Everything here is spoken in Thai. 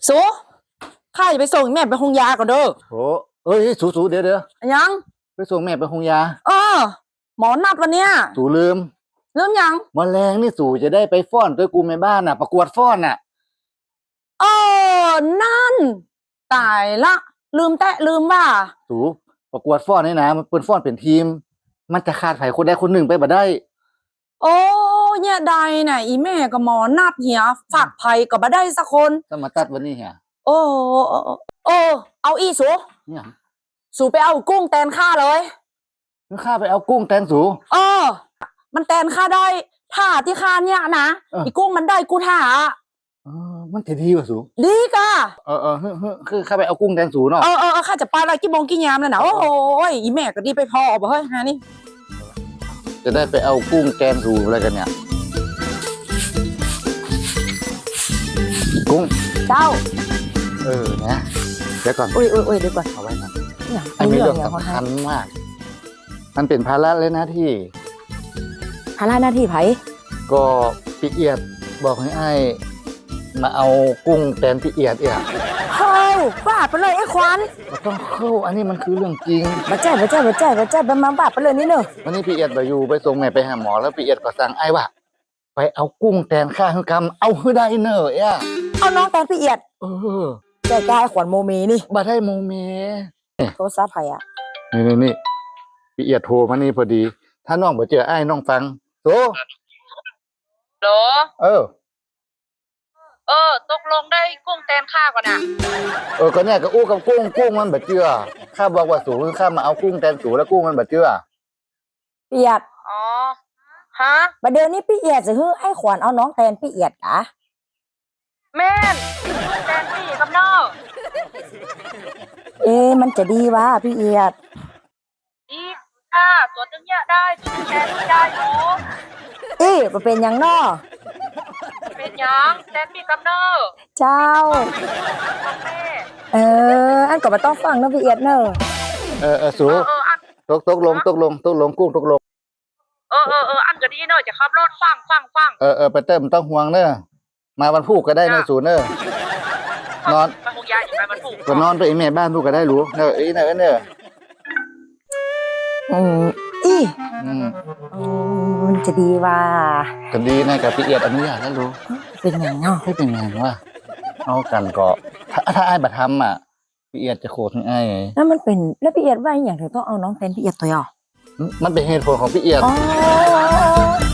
สูข้าจะไปส่งแม่ไปโรงยาก่อนเด้อโอ้เอ้ยสูเดี๋ยวยังไปส่งแม่ไปโรงยาหมอนัดวันเนี้ยสูลืมยังมแมลงนี่สูจะได้ไปฟ้อนด้วยกูในบ้านน่ะประกวดฟ้อนน่ะนั่นตายละลืมว่าสูประกวดฟ้อนนี่นะมันเป็นฟ้อนเป็นทีมมันจะขาดไผคนใดคนหนึ่งไปบ่ได้โอ้เนี่ยใดน่ะอีแม่กับหมอนัดเหียฝากไผก็บ่ได้สักคนต้องมาตัดวันนี้เหียโอ้เอาอีสูเนี่ยสูไปเอากุ้งแตนข้าเลยข้าไปเอากุ้งแตนสูมันแตนข้าได้ท่าที่ข้าเนี่ยนะอีกุ้งมันได้กูท่ามันจะดีกว่าสูดีกะคือข้าไปเอากุ้งแตนสูเนาะข้าจะไปอะไรกี่โมงกี่ยามแล้วนะโอ้ยอีแม่ก็ดีไปพอบ่เฮ้ยฮะนี่จะได้ไปเอากุ้งแตนสูอะไรกันเนี่ยกุ้งเจ้านะเดี๋ยวก่อนอุ้ยเดี๋ยวก่อนเอาไว้นะไอ้มีเรื่องสำคัญมากมันเป็นภาระเลยนะที่ภาระหน้าที่ไผก็พี่เอียดบอกให้ไอ้มาเอากุ้งแตนพี่เอียดเข้าบ้าไปเลยไอ้ควันมันต้องเข้าอันนี้มันคือเรื่องจริงมาแจ้ไปมาบ้าไปเลยนี่เนอะวันนี้พี่เอียดไปอยู่ไปส่งแม่ไปหาหมอแล้วพี่เอียดก็สั่งไอ้ว่าไปเอากุ้งแตนข้าให้กำเอาให้ได้เนอะเอาน้องแตนพี่เอียดใจกายขวัญโมเมนี่บ่ได้โมเมโทรศัพท์ไผนี่พี่เอียดโทรมานี่พอดีถ้าน้องบ่เจอไอ้น้องฟังโตโหลตกลงได้กุ้งแตนข้าก่อนนะก็เนี่ยก็อู้กับกุ้งมันบ่เจือข้าบอกว่าสูข้ามาเอากุ้งแตนสูแล้วกุ้งมันบ่เจือพี่เอียดฮะประเดี๋ยวนี้พี่เอียดจะฮื้อไอ้ขวัญเอาน้องแตนพี่เอียดกะแม่นแตนพี่กับน้องมันจะดีวะพี่เอียดดีตัวตึงเนี่ยได้ตัวแตนพี่ได้อยู่มันเป็นยังน้อเป็นยังแตนพี่กับน้องเจ้าอันก็มาต้องฟังนะพี่เอียดเนอะสูตกลงกุ้งตกลงอันก็ดีเนอะจะขับรถฟังไปเติมต้องห่วงเนอะมาวันพุธก็ได้เนอะสูเนอะนอนมาคงยายไปวันพุธก็นอนไปแม่บ้านพุธก็ได้รู้เนอะเนอะมันจะดีว่าก็ดีนะกับพี่เอียดอนุญาตแล้วรู้เป็นไงเนาะไม่เป็นไงวะเอากันก็ถ้าไอ้บัตรทำพี่เอียดจะโคตรไอ้แล้วมันเป็นแล้วพี่เอียดว่าอย่างไรต้องเอาน้องแตนพี่เอียดตัวอ่ะมันเป็นเหตุผลของพี่เอียด